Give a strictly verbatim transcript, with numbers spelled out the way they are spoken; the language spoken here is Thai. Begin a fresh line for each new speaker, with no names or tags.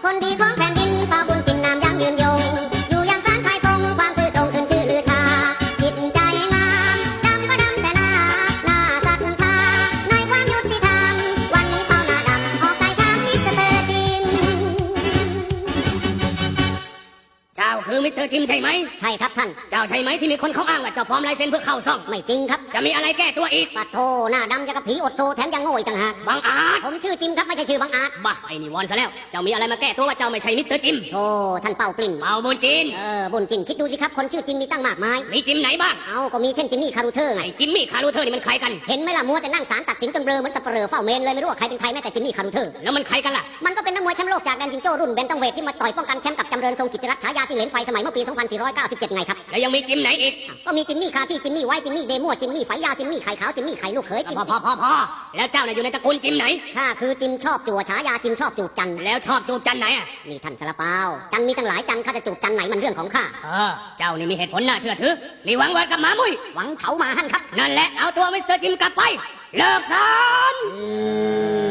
คนดีของแผ่นดินเผ่าบุญจินนามยังยืนยงอยู่ยังสานไทยคงความซื่อตรงขึ้นชื่อลือชาจิตใจงามดำก็ดำแต่หน้าหน้าศรัทธาในความยุติธรรมวันนี้เผ่าหน้าดำออกใจทางมิสเตอร์จิม
เจ้าคือมิสเตอร์จิมใช่ไหม
ใช่ครับท่าน
เจ้าใช่ไหมที่มีคนเขาอ้างว่าเจ้าปลอมลายเซ็นเพื่อเข้าซ่อง
ไม่จริงครับ
จะมีอะไรแก้ตัวอีก
ปัดโทหน้าดำจะกับผีอดโซแถมยังโง่อีกต่างหาก
บังอาจ
ผมชื่อจิมครับไม่ใช่ชื่อบังอาจ
บ้าไอ้นี่วอนซะแล้วเจ้ามีอะไรมาแก้ตัวว่าเจ้าไม่ใช่มิสเตอร์จิม
โอ้ท่านเป่ากลิ่น
เป่าบุญจิน
เออบุญจินคิดดูสิครับคนชื่อจิมมีตั้งมากมาย
มีจิมไหนบ้าง
เอาก็มีเช่นจิมมี่คารูเทอร์ไง
ไอ้จิมมี่คารูเทอร์นี่มันใครกัน
เห็นไหมล่ะมัวแต่นั่งศาลตัดสินจนเบลอเหมือนสับเปลือเฝ้าเมนเลยไม่รู้ว่าใครเป็นใครแม้แต่จิมมี่คารูเทอร์
แล้วมันใครกันล่ะ
มันก็เป็นนักมวยแชมป์โลกจากแดนจิงโจ้รุ่นเบนตัมเวทที่มาต่อยป้องกันแชมป์กับจำเริญทรงกิตติรัตน์ฉายาที่เหลนไฟสมัยเมื่อปีสองพันสี่ร้อยเก้าสิบเจ็ดไงครับ
แล้วยังมีจิมไหนอีก
ก็มีจิมมี่คาที่จิมมี่ไว้จิมมี่เดโมจิมมี่ไฟยาวจิมมี่ไข่ขาวจิมมี่ไข่ลูกเขยจิม
พอพอพอพอแล้วเจ้าเนี่ยอยู่ในตระกูลจิมไหน
ข้าคือจิมชอบจั่วฉายาจิมชอบจูบจัน
แล้วชอบจูบจันไหนอ่ะ
นี่ท่านสารเปาจันมีตั้งหลายจันข้าจะจูบจันไหนมันเรื่องของข้า
เออเจ้านี่มีเหตุผลน่าเชื่อถือมีหวังวัดกับหมามุ้ย
หวังเฉามาหั่นครับ
นั่นแหละเอาตัวมิสเตอร์จิมกลับไปเลิกสอน